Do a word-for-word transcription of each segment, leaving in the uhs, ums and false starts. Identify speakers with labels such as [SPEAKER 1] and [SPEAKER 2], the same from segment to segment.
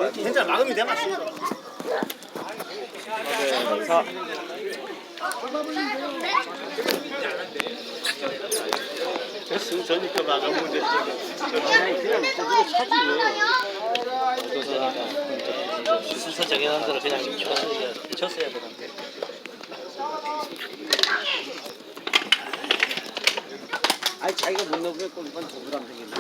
[SPEAKER 1] 괜찮아, 막으면 돼, 맞지?
[SPEAKER 2] 사.
[SPEAKER 1] 됐으면 저니까 막으면 됐지.
[SPEAKER 2] 그냥 저기로 차지 왜.
[SPEAKER 3] 순서 정해놓은 대로 그냥 쳤어야, 쳤어야 되는데.
[SPEAKER 2] 아니 자기가 못 넣으면 골반 더 부담되겠네.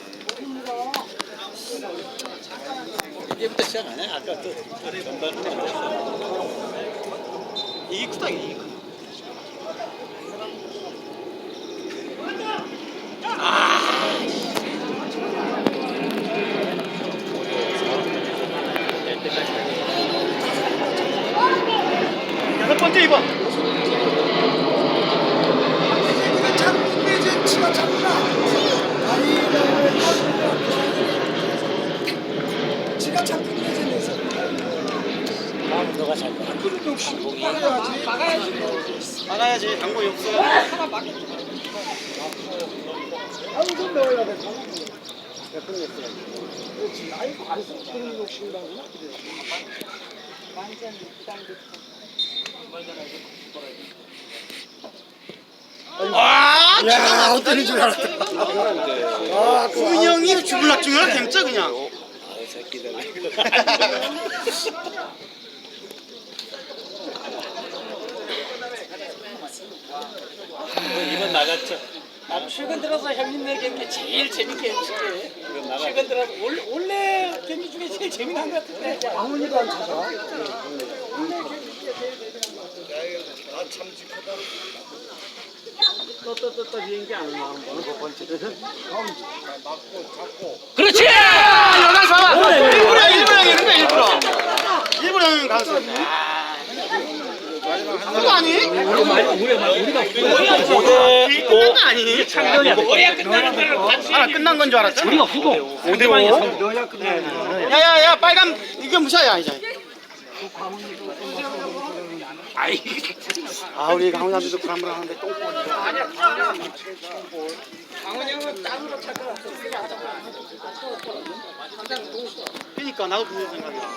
[SPEAKER 1] 이제부터 시작하네. 아까 또 전반부터 이게 크다, 이게. 여섯 번째 이 번.
[SPEAKER 4] 지가 참 끝내주면서
[SPEAKER 3] 다음 너가 잘 봐.
[SPEAKER 4] 그런 욕심 막아야지 막아야지
[SPEAKER 1] 막아야지. 당구 없어.
[SPEAKER 4] 아무 좀 넣어야 돼 그렇지 아이고 안 써. 그런 욕심이라구나 그래 완전
[SPEAKER 1] 와,
[SPEAKER 4] 야 어떻게 줄 알았다
[SPEAKER 1] 아, 구민이 형이 죽을락 죽을락 햄짜 그냥.
[SPEAKER 2] 아 새끼들.
[SPEAKER 3] 이번 나갔죠. 아, 최근 들어서 형님네 경기 제일 재밌게 해주시게. 최근 들어서 원래, 원래 경기 중에 제일 재미난 것 같은데.
[SPEAKER 4] 아무니도 안 찾아
[SPEAKER 2] 또또또또 비행기 안 나오는 거는 첫 번째는
[SPEAKER 3] 그렇지!
[SPEAKER 1] 여덟 봐봐. 일부러 일부러 이런 거 일부러. 일부러 하는 가수. 그거 아니?
[SPEAKER 3] 우리가 우리가 우리가
[SPEAKER 1] 오 대 오 아니?
[SPEAKER 3] 창경이야. 뭐야 끝나는 걸 같이.
[SPEAKER 1] 아, 끝난 건 줄 알았어.
[SPEAKER 3] 우리가 후보.
[SPEAKER 1] 오 대 오. 야야야, 빨간 이게 무시야 이제.
[SPEAKER 3] 아이.
[SPEAKER 1] 아, 우리 강원남들도 불안불안한데 똥꼬리. 그러니까 나도 그런 생각이야.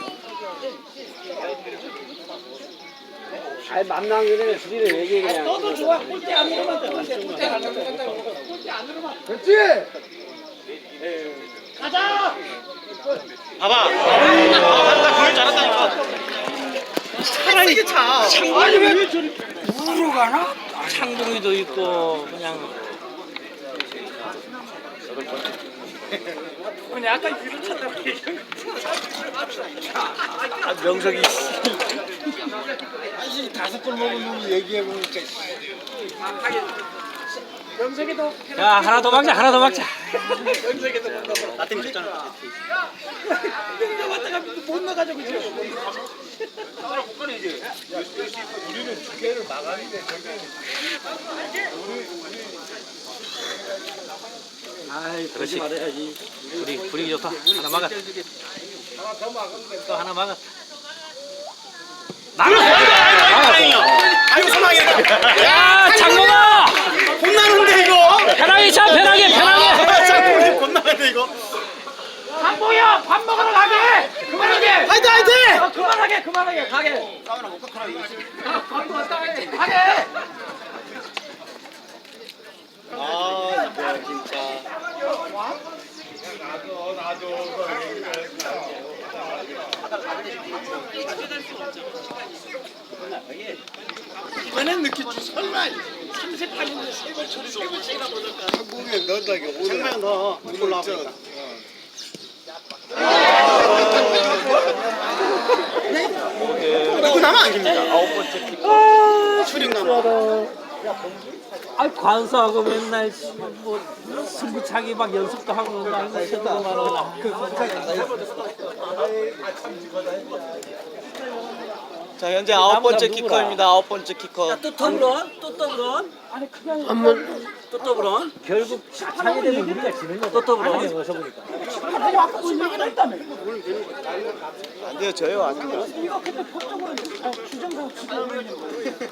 [SPEAKER 2] 아니 만나기 전에 둘이를 얘기해 그냥.
[SPEAKER 3] 너도 좋아. 꼴대 안으로만 돼. 꼴대 안으로만 돼. 꼴대 안으로만.
[SPEAKER 4] 그렇지
[SPEAKER 3] 가자.
[SPEAKER 1] 봐봐. 아, 맞다. 그걸 잘한다니까. 차라리 차.
[SPEAKER 3] 아니 왜 저리 우로 가나? 창동이도 있고 그냥. 그냥 아까 위로 쳤다고 얘기한
[SPEAKER 2] 아 명석이.
[SPEAKER 4] 아니 다섯 골 먹은 놈이 얘기해 보니까
[SPEAKER 3] 명석이도. 야 하나 더 막자. 하나 더 막자.
[SPEAKER 1] 나 때문에 졌잖아.
[SPEAKER 3] 근데 왔다가 못 나가지고 그죠?
[SPEAKER 4] 우리는 두 개를 막았는데 저기
[SPEAKER 2] 아이 그러지 말아야지.
[SPEAKER 3] 불이 불이 좋다. 하나 막았. 또 하나 막았.
[SPEAKER 1] 아이고 사망했다.
[SPEAKER 3] 야 장모가
[SPEAKER 1] 혼나는데 이거.
[SPEAKER 3] 편하게 차 편하게 편하게.
[SPEAKER 1] 장모님 혼나는데 이거.
[SPEAKER 3] 장모야 밥 먹으러 가게. 그만하게.
[SPEAKER 1] 화이팅 화이팅.
[SPEAKER 3] 어, 그만하게 그만하게 가게.
[SPEAKER 1] 싸우나 못 가라 이거.
[SPEAKER 3] 밥도 왔다 가게. 가게.
[SPEAKER 1] 아, 이거 진짜.
[SPEAKER 4] 이번엔 느낌 설마
[SPEAKER 3] 삼십팔 년에 세번 처리 세 번씩이나 보니까.
[SPEAKER 4] 한국에 넣는다게 오늘
[SPEAKER 1] 생명 더 올라와. 누구 나만 아닙니다. 아홉 번째 픽. 출입나무.
[SPEAKER 3] 아 관서하고 맨날 뭐 승부차기 막 연습도 하고 맨날 시도만 하고.
[SPEAKER 5] 자 현재 아홉 번째 키커입니다. 아홉 번째 키커.
[SPEAKER 3] 또 더블런? 또 더블런? 아니 그냥 한번 또 더블런? 결국 차게 되면 우리가 지는 거죠. 또 더블런? 어서 보니까. 아니 아까 그 얘기를 했다며.
[SPEAKER 5] 안 돼요 저요 안 돼요.
[SPEAKER 3] 이거 근데 법적으로 규정상 지금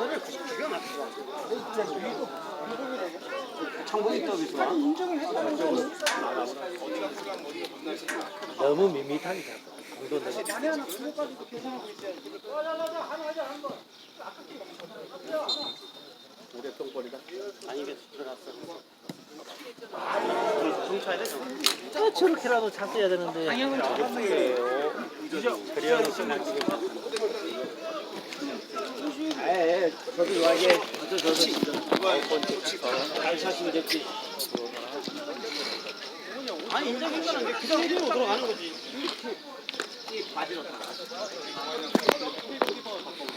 [SPEAKER 2] 창봉이 더비서
[SPEAKER 3] 인정을 했다는 거는 너무 밋밋하니까. 아, 저렇게라도 찼어야 되는데.
[SPEAKER 2] 에 저도 이게 저도 저도 아홉 번째 잘 샷이면 됐지.
[SPEAKER 1] 아니 인정인 거는 그 정도로 들어가는 거지.